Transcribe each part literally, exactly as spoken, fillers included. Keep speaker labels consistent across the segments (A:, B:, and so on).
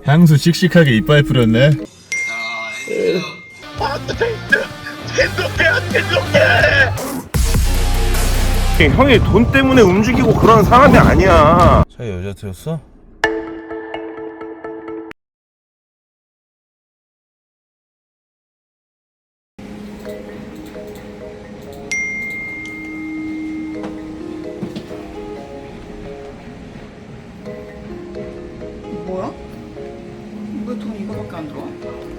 A: 향수 씩씩하게 이빨 뿌렸네.
B: 형이 돈 때문에 움직이고 그런 사람이 아니야.
A: 자기 여자친구였어?
C: 뭐야? 왜 돈 이거밖에 안 들어와?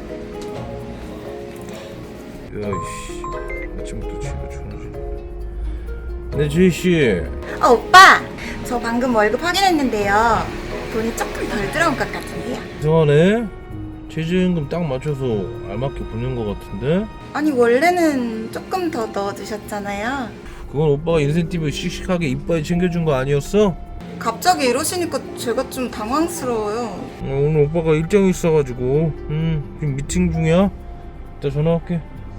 A: 야이씨, 아침부터 집에 전화지. 네, 지희씨.
C: 어, 오빠! 저 방금 월급 확인했는데요. 돈이 조금 덜 들어온 것 같은데요.
A: 이상하네. 최저임금 딱 맞춰서 알맞게 보낸 것 같은데?
C: 아니, 원래는 조금 더 넣어주셨잖아요.
A: 그건 오빠가 인센티브 씩씩하게 이빨 챙겨준 거 아니었어?
C: 갑자기 이러시니까 제가 좀 당황스러워요.
A: 어, 오늘 오빠가 일정이 있어가지고 음 지금 미팅 중이야. 이따 전화할게.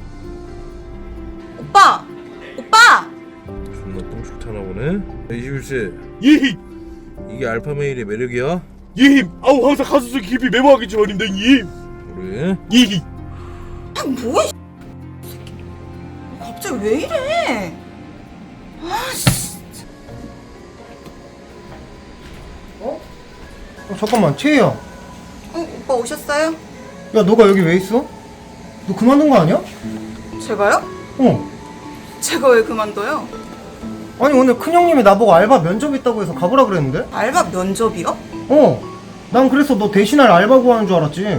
C: 오빠! 오빠!
A: 존나 똥줄 타나 보네. 이십일 세
B: 예,
A: 이게 알파메일의 매력이야?
B: 예. 아우 항상 가슴속 깊이 메모하기 전인데 예.
A: 그래?
B: 예.
C: 아, 뭐야, 이 새끼. 갑자기 왜 이래? 아, 씨.
D: 어? 어 잠깐만 채희야. 야
C: 어, 오빠 오셨어요?
D: 너가 여기 왜 있어? 너 그만둔 거 아니야?
C: 제가요?
D: 어.
C: 제가 왜 그만둬요?
D: 아니 오늘 큰형님이 나보고 알바 면접 있다고 해서 가보라 그랬는데?
C: 알바 면접이요?
D: 어. 난 그래서 너 대신할 알바 구하는 줄 알았지.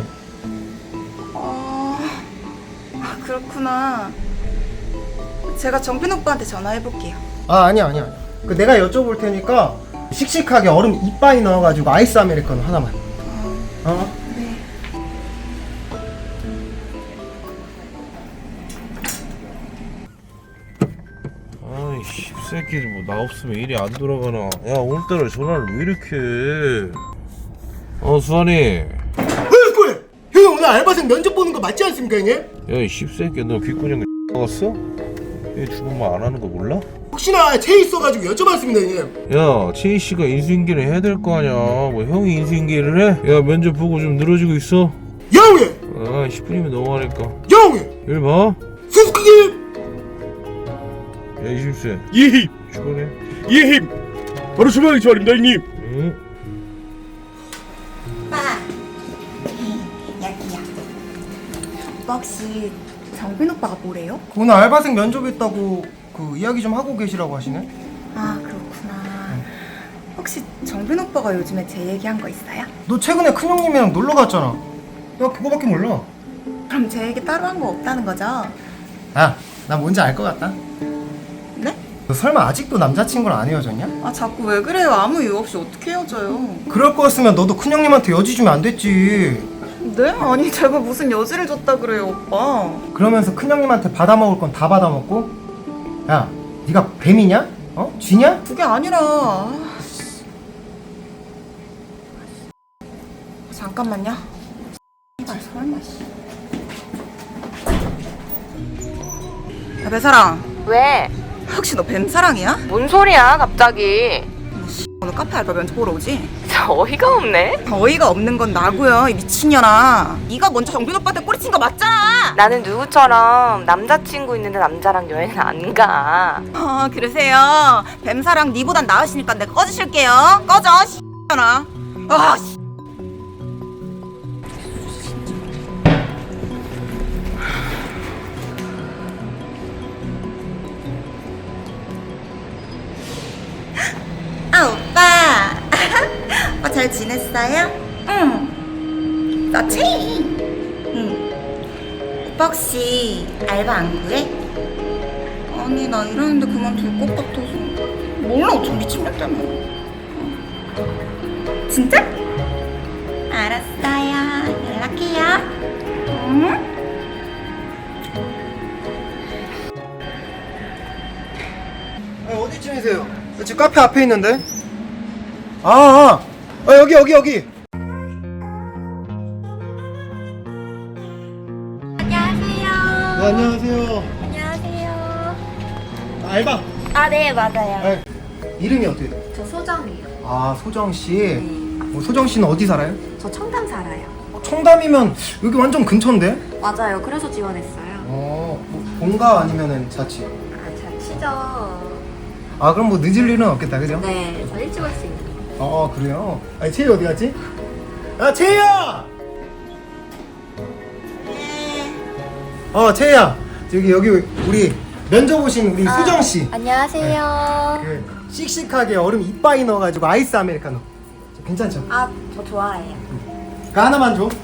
C: 아, 아, 그렇구나. 제가 정빈 오빠한테 전화해볼게요.
D: 아 아니야 아니야. 그 내가 여쭤볼 테니까 씩씩하게 얼음 이빠이 넣어가지고 아이스 아메리카노 하나만. 어?
C: 네.
A: 아이 씹새끼들 뭐 나 없으면 일이 안 돌아가나. 야 오늘따라 전화를 왜 이렇게 해. 어 수환이.
D: 왜 그래? 형이 오늘 알바생 면접 보는 거 맞지 않습니까 형님?
A: 야이 씹새끼 너 귓구녕 나갔어? 얘 주문만 안 하는 거 몰라?
D: 혹시나 채희 있어가지고 여쭤봤습니다 형님.
A: 야 채희씨가 인수인계를 해야 될 거 아냐. 뭐 형이 인수인계를 해? 야 면접 보고 좀 늘어지고 있어.
D: 형님!
A: 아 십 분이면 너무하니까
D: 형님!
A: 일 봐.
D: 수수께끼!
A: 야 이십일 세
B: 예.
A: 출근해.
B: 예. 바로 출발하기 전입니다 형님.
A: 응?
C: 오빠. 여기요. 오빠 혹시 정빈 오빠가 뭐래요?
D: 오늘 알바생 면접 있다고 그 이야기 좀 하고 계시라고 하시네.
C: 아, 그렇구나. 혹시 정빈 오빠가 요즘에 제 얘기한 거 있어요?
D: 너 최근에 큰형님이랑 놀러 갔잖아. 야 그거밖에 몰라.
C: 그럼 제 얘기 따로 한 거 없다는 거죠?
D: 야, 나 뭔지 알 것 같다.
C: 네?
D: 너 설마 아직도 남자친구랑 안 헤어졌냐?
C: 아, 자꾸 왜 그래요? 아무 이유 없이 어떻게 헤어져요?
D: 그럴 거였으면 너도 큰형님한테 여지 주면 안 됐지.
C: 네? 아니, 제가 무슨 여지를 줬다 그래요, 오빠.
D: 그러면서 큰형님한테 받아먹을 건 다 받아먹고? 야, 네가 뱀이냐? 어? 쥐냐?
C: 그게 아니라. 아, 잠깐만요. 이발 설마 씨. 야, 배사랑.
E: 왜?
C: 혹시 너 뱀사랑이야?
E: 뭔 소리야 갑자기.
C: 너 씨, 오늘 카페 알바 면접 보러 오지?
E: 어이가 없네.
C: 어이가 없는 건 나고요, 이 미친년아. 네가 먼저 정빈 오빠한테 꼬리친 거 맞잖아.
E: 나는 누구처럼 남자친구 있는데 남자랑 여행 안 가.
C: 아, 그러세요. 뱀사랑 니보단 나으시니까 내가 꺼주실게요. 꺼져, 씨년아. 아, 씨. 아, 오빠. 어, 잘 지냈어요? 응. 나 체이. 응. 오빠 혹시 알바 안 구해? 아니, 나 이러는데 그만둘 것 같아서. 몰라, 저 미친년 때문에. 진짜? 알았어요. 연락해요. 응?
D: 아니, 어디쯤이세요? 나 지금 카페 앞에 있는데. 아, 아, 아 여기 여기 여기.
E: 안녕하세요.
D: 네, 안녕하세요.
E: 안녕하세요.
D: 알바.
E: 아, 네, 맞아요.
D: 아, 이름이 어떻게 돼?
E: 저 소정이요.
D: 아 소정 씨. 뭐 소정 씨는 어디 살아요?
F: 저 청담 살아요.
D: 어, 청담이면 여기 완전 근처인데?
F: 맞아요. 그래서 지원했어요.
D: 어, 뭐 본가 아니면은 자취?
F: 아, 자취죠.
D: 아, 그럼 뭐 늦을 일은 없겠다, 그죠?
F: 네, 저 일찍 올 수 있는.
D: 어, 그래요? 아니, 채희 어디 갔지? 야, 채희야! 어, 채희야! 저기, 여기, 우리 면접 오신 우리 수정씨.
F: 안녕하세요.
D: 그, 씩씩하게 얼음 이빠이 넣어가지고 아이스 아메리카노. 괜찮죠?
F: 아, 저 좋아해요.
D: 그 하나만 줘.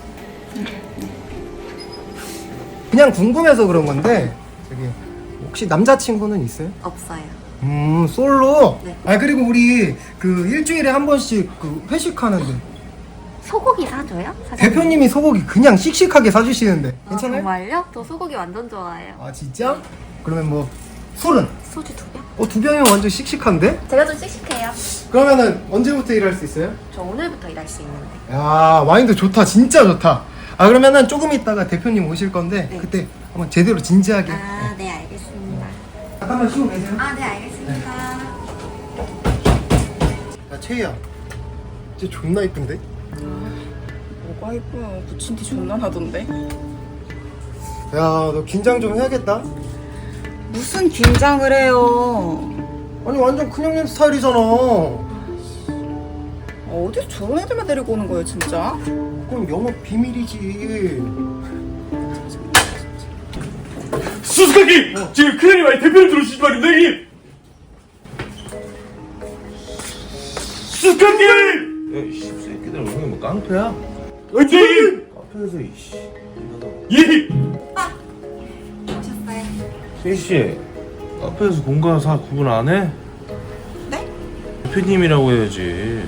D: 그냥 궁금해서 그런 건데, 저기, 혹시 남자친구는 있어요?
F: 없어요.
D: 음, 솔로?
F: 네.
D: 아, 그리고 우리 그 일주일에 한 번씩 그 회식하는데,
F: 소고기 사줘요? 사장님?
D: 대표님이 소고기 그냥 씩씩하게 사주시는데,
F: 아,
D: 괜찮아요?
F: 정말요? 저 소고기 완전 좋아해요.
D: 아, 진짜? 그러면 뭐, 술은?
F: 소주 두 병?
D: 어, 두 병이면 완전 씩씩한데?
F: 제가 좀 씩씩해요.
D: 그러면은 언제부터 일할 수 있어요?
F: 저 오늘부터 일할 수 있는데.
D: 야, 와인도 좋다, 진짜 좋다. 아, 그러면은 조금 있다가 대표님 오실 건데,
F: 네.
D: 그때 한번 제대로 진지하게.
F: 아, 네, 알겠습니다.
D: 잠깐만 쉬고 계세요.
F: 아, 네, 알겠습니다.
D: 야, 채희야. 진짜 존나 이쁜데?
C: 뭐가 이뻐요. 붙인 티 존나 나던데.
D: 야, 너 긴장 좀 해야겠다.
C: 무슨 긴장을 해요.
D: 아니, 완전 큰형님 스타일이잖아.
C: 어디서 저런 애들만 데리고 오는 거예요, 진짜?
D: 그럼 영업 비밀이지.
B: 수수께끼! 지금 큰일이 많이 대표님 들어오시지 말입니다 형님! 수수께끼!
A: 야, 이 씹새끼들 오늘 뭐 깡패야?
B: 화이팅!
A: 카페에서 이씨.
B: 예!
F: 오셨어요?
A: 세희씨, 카페에서 공과 사 구분 안 해?
C: 네?
A: 대표님이라고 해야지.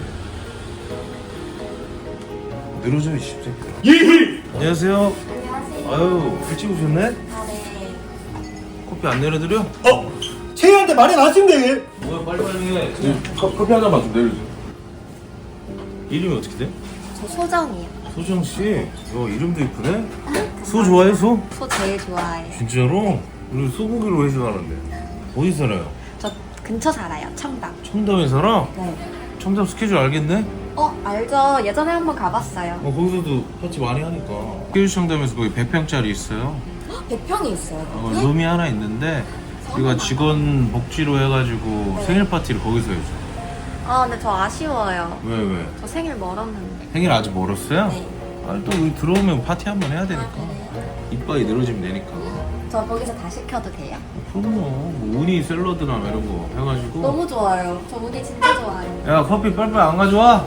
A: 늘어져, 이 씹새끼들.
B: 예!
A: 안녕하세요.
F: 안녕하세요.
A: 아유, 일찍 오셨네?
F: 아, 네.
A: 커피 안 내려드려?
B: 어?
D: 채희한테 말이 나신데.
A: 뭐야, 빨리빨리 해. 컵, 커피 하나만 좀 내려줘. 이름이 어떻게 돼?
F: 저 소정이요.
A: 소정씨. 야, 이름도 이쁘네? 소 좋아해, 소?
F: 소 제일 좋아해요.
A: 진짜로? 우리 소고기로 회식하는데. 어디 살아요?
F: 저 근처 살아요. 청담.
A: 청담에 살아?
F: 네.
A: 청담 스케줄 알겠네?
F: 어, 알죠. 예전에 한번 가봤어요.
A: 어, 거기서도 파티 많이 하니까. 스케줄 청담에서 거기 백 평짜리 있어요.
F: 백 평이 있어요.
A: 어,
F: 거기?
A: 룸이 하나 있는데 우리가 직원 복지로 해가지고
F: 네.
A: 생일 파티를 거기서 해줘.
F: 아, 근데 저 아쉬워요.
A: 왜 왜?
F: 저 생일 멀었는데.
A: 생일 아직 멀었어요?
F: 네.
A: 아니 또 여기 들어오면 파티 한번 해야 되니까.
F: 아, 그래요?
A: 이빨이 늘어지면 되니까.
F: 저 거기서 다 시켜도 돼요?
A: 그럼요. 뭐 우니 샐러드나 이런 거 해가지고.
F: 너무 좋아요. 저 우니 진짜 좋아해요.
A: 야 커피 빨리빨리 안 가져와?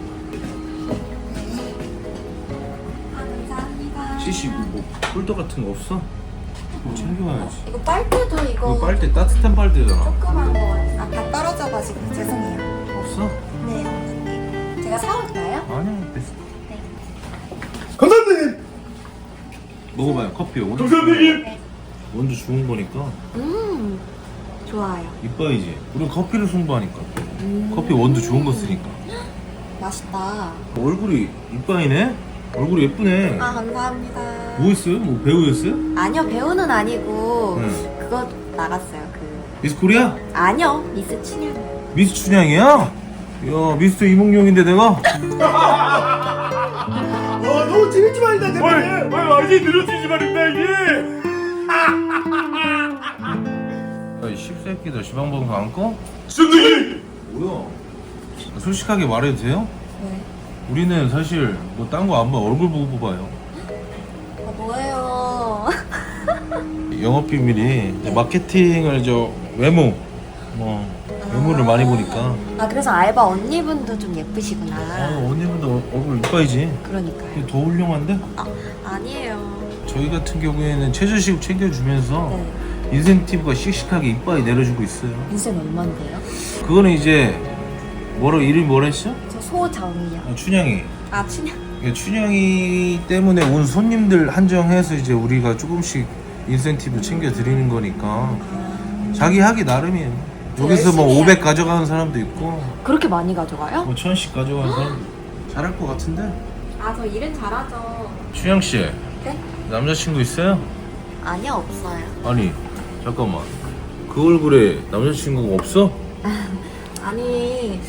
F: 아, 감사합니다.
A: 시시 뭐 폴더 같은 거 없어? 뭐 챙겨와야지.
F: 이거 빨대도 이거
A: 이거 빨대 따뜻한 빨대잖아.
F: 조그만 거. 아, 다 떨어져가지고 죄송해요.
A: 없어?
F: 네, 어머니. 제가 사올까요?
A: 아니야 됐어.
D: 감사합니다.
A: 먹어봐요 커피. 원두
B: 감사합니다
A: 원두 좋은 거니까
F: 음, 좋아요.
A: 이뻐야지. 우리 커피를 승부하니까.
F: 음.
A: 커피 원두 좋은 거 쓰니까.
F: 맛있다.
A: 얼굴이 이뻐이네? 얼굴이 예쁘네.
F: 아, 감사합니다.
A: 뭐 했어요? 뭐 배우였어요?
F: 아니요, 배우는 아니고
A: 응.
F: 그거 나갔어요. 그
A: 미스 코리아?
F: 아니요, 미스 춘향.
A: 미스 춘향이야? 야 미스터 이몽룡인데 내가?
D: 와, 너무 재밌지 말이다,
B: 어이!
D: 대표님.
B: 어이 완전히 늘어지지 말입니다 형님!
A: 야이 씹새끼들 지방방송 안 꺼?
B: 수수께끼!
A: 뭐야? 솔직하게 말해도 돼요?
F: 네.
A: 우리는 사실 뭐 딴 거 안 봐. 얼굴 보고 뽑아요.
F: 아, 뭐예요?
A: 영업 비밀이 이제 마케팅을 저 외모 뭐 외모를 많이 보니까.
F: 아, 그래서 알바 언니분도 좀 예쁘시구나.
A: 아 언니분도 얼굴 이뻐야지.
F: 그러니까요.
A: 더 훌륭한데?
F: 아, 아니에요.
A: 저희 같은 경우에는 최저시급 챙겨주면서
F: 네.
A: 인센티브가 씩씩하게 이빨이 내려주고 있어요.
F: 인생 얼만데요?
A: 그거는 이제 뭐라 이름이 뭐라 했어?
F: 저 소정이요.
A: 아, 춘향이.
F: 아, 춘향.
A: 이게 춘향이 때문에 온 손님들 한정해서 이제 우리가 조금씩 인센티브 챙겨드리는 거니까 자기 하기 나름이에요. 여기서 뭐
F: 열심히 해요.
A: 오백 가져가는 사람도 있고
F: 그렇게 많이 가져가요?
A: 뭐 천씩 가져가는 사람도 있고. 잘할 것 같은데?
F: 아, 저 일은 잘하죠.
A: 춘향씨
F: 네?
A: 남자친구 있어요?
F: 아니요, 없어요.
A: 아니 잠깐만 그 얼굴에 남자친구가 없어?
F: 아니,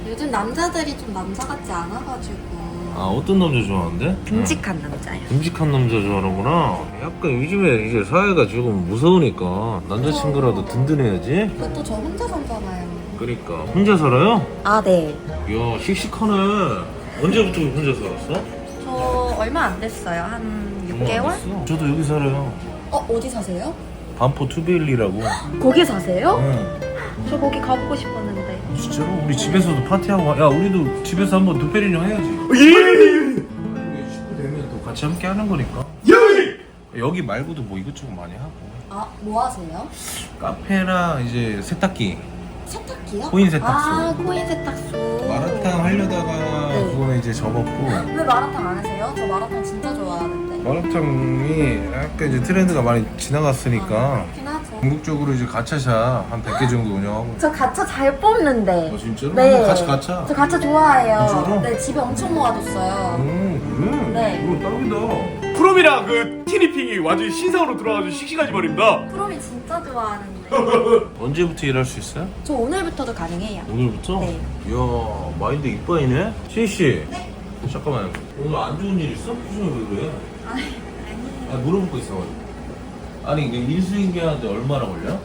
F: 요즘 남자들이 좀 남자 같지 않아가지고.
A: 아 어떤 남자 좋아하는데?
F: 듬직한 남자요.
A: 듬직한 남자 좋아하는구나. 약간 요즘에 이제 사회가 조금 무서우니까 남자친구라도 든든해야지.
F: 그것도 저 혼자 살잖아요.
A: 그러니까 혼자 살아요?
F: 아, 네.
A: 이야 씩씩하네. 언제부터 혼자 살았어?
F: 저 얼마 안 됐어요. 한 육 개월?
A: 됐어. 저도 여기 살아요.
F: 어, 어디 사세요?
A: 반포 투베일리라고.
F: 거기 사세요?
A: 응.
F: 저 거기 가보고 싶었는데.
A: 진짜로? 우리 집에서도 파티하고 와. 야 우리도 집에서 한번 두페리뇽 해야지.
B: 예!
A: 식구 되면 또 같이 함께 하는 거니까.
B: 예!
A: 여기 말고도 뭐 이것저것 많이 하고.
F: 아, 뭐 하세요?
A: 카페나 이제 세탁기.
F: 세탁기요?
A: 코인 세탁소.
F: 아, 코인 세탁소.
A: 마라탕 하려다가
F: 네.
A: 그거는 이제 접었고.
F: 왜 마라탕 안 하세요? 저 마라탕 진짜 좋아하는데.
A: 마라탕이 약간 이제 트렌드가 많이 지나갔으니까
F: 그렇긴 하죠.
A: 궁극적으로 이제 가차샵 한 백 개 정도 운영하고.
F: 저 가차 잘 뽑는데.
A: 어 진짜로?
F: 네.
A: 한번 같이 가차.
F: 저 가차 좋아해요.
A: 진짜로?
F: 네, 집에 엄청 모아뒀어요.
A: 음 그래?
F: 네.
A: 이거 딱이다.
B: 프롬이랑 그 티니핑이 완전 신상으로 들어가지고 씩씩하지 말입니다.
F: 프롬이 진짜 좋아하는데.
A: 언제부터 일할 수 있어요?
F: 저 오늘부터도 가능해요.
A: 오늘부터?
F: 네.
A: 이야 마인드 이빠이네? 시희씨 네? 잠깐만 오늘 안 좋은 일 있어? 표정이 왜 그래?
F: 아니,
A: 아 물어볼 거 있어가지고. 아니 이게 인수인계하는데 얼마나 걸려?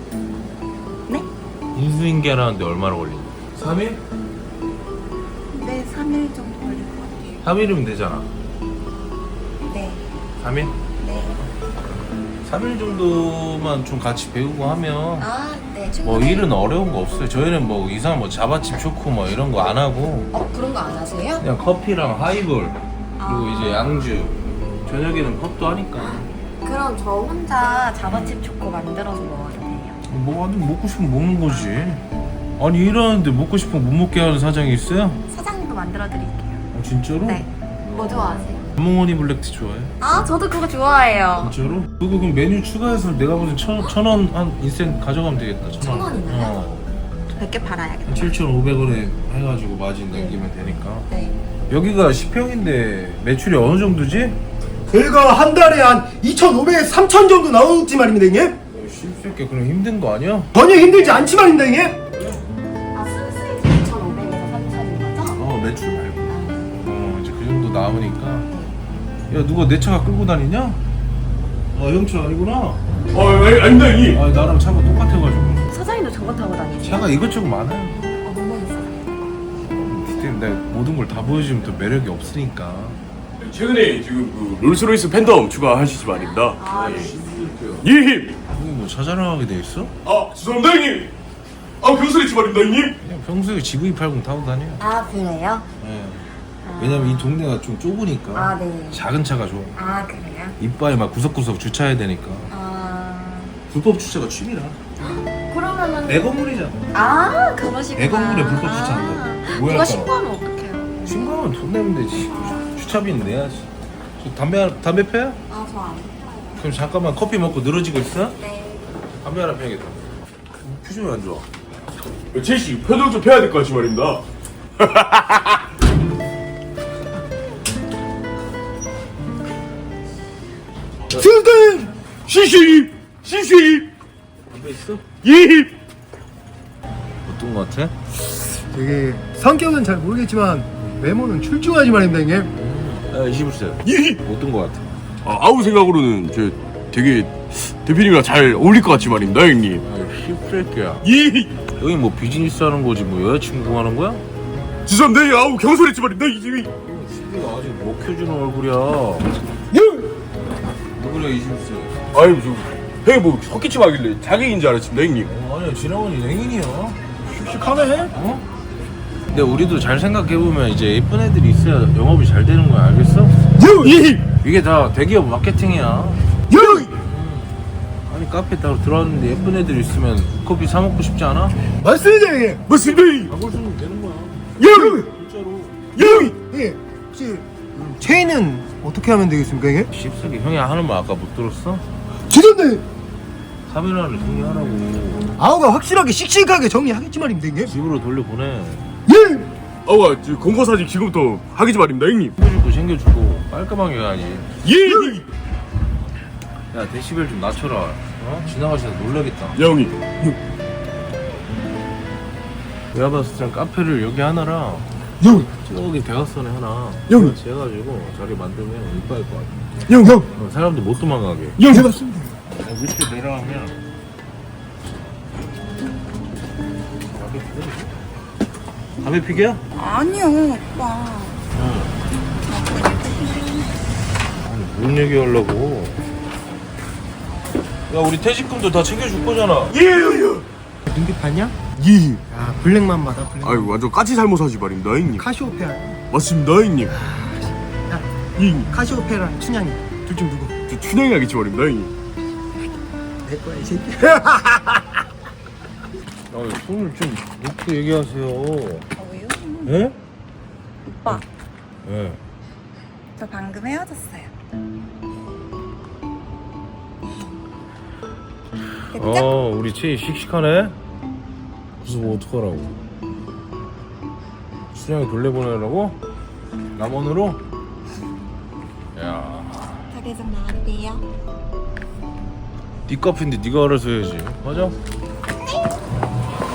C: 네?
A: 인수인계하는데 얼마나 걸리냐? 삼 일?
C: 네, 삼 일 정도 걸릴 것 같아요.
A: 삼 일이면 되잖아.
C: 네.
A: 삼 일?
C: 네.
A: 삼 일 정도만 좀 같이 배우고 하면
F: 아, 네.
A: 뭐
F: 충분히.
A: 일은 어려운 거 없어요. 저희는 뭐 이상 뭐 자바칩 초코 뭐 이런 거 안 하고
F: 어, 그런 거 안 하세요?
A: 그냥 커피랑 하이볼 그리고
F: 아.
A: 이제 양주 저녁에는 컵도 하니까
F: 그럼 저 혼자 자바칩 초코 만들어서 먹어도 돼요.
A: 뭐 아니 먹고 싶으면 먹는 거지. 아니 일하는데 먹고 싶으면 못 먹게 하는 사장이 있어요?
F: 사장님도 만들어 드릴게요.
A: 아, 진짜로?
F: 네. 뭐 좋아하세요?
A: 멍원이 블랙티 좋아해?
F: 아, 저도 그거 좋아해요.
A: 진짜로? 그거 그럼 메뉴 추가해서 내가 보기엔 천, 천원 한 인센 가져가면 되겠다. 천
F: 천
A: 원.
F: 원이나요?
A: 어.
F: 백 개 팔아야겠다.
A: 칠천오백 원에 해가지고 마진 남기면 되니까.
F: 네.
A: 여기가 십 평인데 매출이 어느 정도지?
D: 저희가 한 달에 한 이천오백에서 삼천 정도 나오지 말입니다 형님.
A: 쉽게 그럼 힘든 거 아니야?
D: 전혀 힘들지 않지 말입니다 형님.
F: 아, 수익이 이천오백에서 삼천인 거죠?
A: 어 매출 말고. 어 이제 그 정도 나오니까. 야 누가 내 차가 끌고 다니냐? 아 형차 아니구나.
B: 어, 아니, 아닙니다, 형님.
A: 아 나랑 차가 똑같아가지고.
F: 사장님도 저거 타고 다니세요?
A: 차가 이것저것 많아요.
F: 어, 너무 있어요.
A: 그때 내가 모든 걸 다 보여주면 또 매력이 없으니까.
B: 최근에 지금 그 롤스로이스 팬덤 추가하시지 말입니다.
F: 아, 네.
B: 예, 형님.
A: 형이 뭐 차 자랑하게 돼 있어?
B: 아, 죄송합니다, 형님. 아, 경솔했지 말입니다, 형님.
A: 그냥 평소에 지브이 팔십 타고 다녀.
F: 아, 그래요?
A: 예. 왜냐면 이 동네가 좀 좁으니까
F: 아, 네.
A: 작은 차가 좋아.
F: 아, 그래요?
A: 이빨에 막 구석구석 주차해야 되니까.
F: 아,
A: 불법 주차가 취미라.
F: 그러면은.
A: 내 건물이잖아.
F: 아, 그러시구나.
A: 내 건물에 불법 주차한다.
F: 아,
A: 뭐야,
F: 누가
A: 따로.
F: 신고하면 어떡해요?
A: 신고하면 돈 내면 되지. 주차비는 내야지. 저 담배 하나- 담배 펴요?
F: 아, 저 안.
A: 그럼 잠깐만 커피 먹고 늘어지고 있어?
F: 네.
A: 담배 하나 펴야겠다. 표정이 안 좋아.
B: 제시 표정 좀 펴야 될 것 같지 말입니다.
D: 승근
B: 시시, 시시.
A: 담배 있어?
B: 예.
A: 어떤 거 같아?
D: 되게 성격은 잘 모르겠지만 외모는 출중하지 말입니다 형님.
A: 아, 이십일 세.
B: 예.
A: 어떤 거 같아?
B: 아, 아우 생각으로는 저 되게 대표님이랑 잘 어울릴 것 같지 말입니다, 형님.
A: 아, 씹새끼야.
B: 예.
A: 여기 뭐 비즈니스 하는 거지 뭐 여자친구 하는 거야?
B: 죄송합니다, 아우 경솔했지 말입니다, 이 집이.
A: 이거 아직 못 켜주는 얼굴이야.
B: 예.
A: 누구냐 이십일 세.
B: 아유, 저 형이 뭐 헛기침 하길래 자객인 줄 알았습니다, 형님.
A: 어, 아니야 지나가니 행인이야.
D: 씩씩하네.
A: 어? 근데 우리도 잘 생각해보면 이제 예쁜 애들이 있어야 영업이 잘 되는 거야 알겠어?
B: 예.
A: 이게 다 대기업 마케팅이야.
B: 예.
A: 아니 카페 따로 들어왔는데 예쁜 애들 있으면 커피 사 먹고 싶지 않아?
D: 맞습니다 형님.
B: 맞습니다.
A: 가볼 수는 되는 거야.
B: 예.
A: 진짜로.
B: 예.
D: 예. 혹시 체인은 어떻게 하면 되겠습니까 형님?
A: 씹새끼 형이 하는 말 아까 못 들었어?
D: 죄송합니다.
A: 카메라를 정리하라고.
D: 아우가 확실하게 씩씩하게 정리하겠지 말입니다 형님.
A: 집으로 돌려보내.
D: 예.
B: 아와, 저 검거 사진 지금부터 하기지 말입니다, 형님.
A: 챙겨주고 챙겨주고 깔끔하게 해야지.
B: 예.
A: 야 데시벨 좀 낮춰라. 어? 지나가시다 놀라겠다.
B: 야, 형님.
A: 내가 봤을 땐 카페를 여기 하나랑
B: 형!
A: 저기 대각선에 하나
B: 형!
A: 같이 해가지고 자리 만들면 이뻐할 것 같아.
B: 형! 형!
A: 어, 사람들 못 도망가게.
B: 형! 해봤습니다.
A: 어, 밑에 내려가면 담배 피게야?
C: 아니요, 오빠.
A: 응. 아니, 뭔 얘기 하려고? 야, 우리 퇴직금도 다 챙겨줄 거잖아.
B: 예! 형!
D: 눈빛 봤냐?
B: 예!
D: 야 블랙만 받아 블랙.
B: 아유 완전 까치 살모사지 말입니다 형님.
D: 카시오페아.
B: 맞습니다 형님.
D: 야
B: 예 형님.
D: 카시오페아랑 춘향이 둘 중 누구?
B: 저 춘향이 하겠지 말입니다 형님.
D: 내 거야 이 새끼.
A: 아, 손을 좀 놓고 얘기하세요.
C: 아, 왜요?
A: 예?
C: 오빠,
A: 예.
C: 저 방금 헤어졌어요. 됐죠?
A: 어, 우리 채이 씩씩하네? 그래서 뭐 어떡하라고? 수량이 돌려보내라고? 남원으로? 야,
C: 가게 좀 나가도 돼요?
A: 네 카페인데 네가 알아서 해야지. 맞아?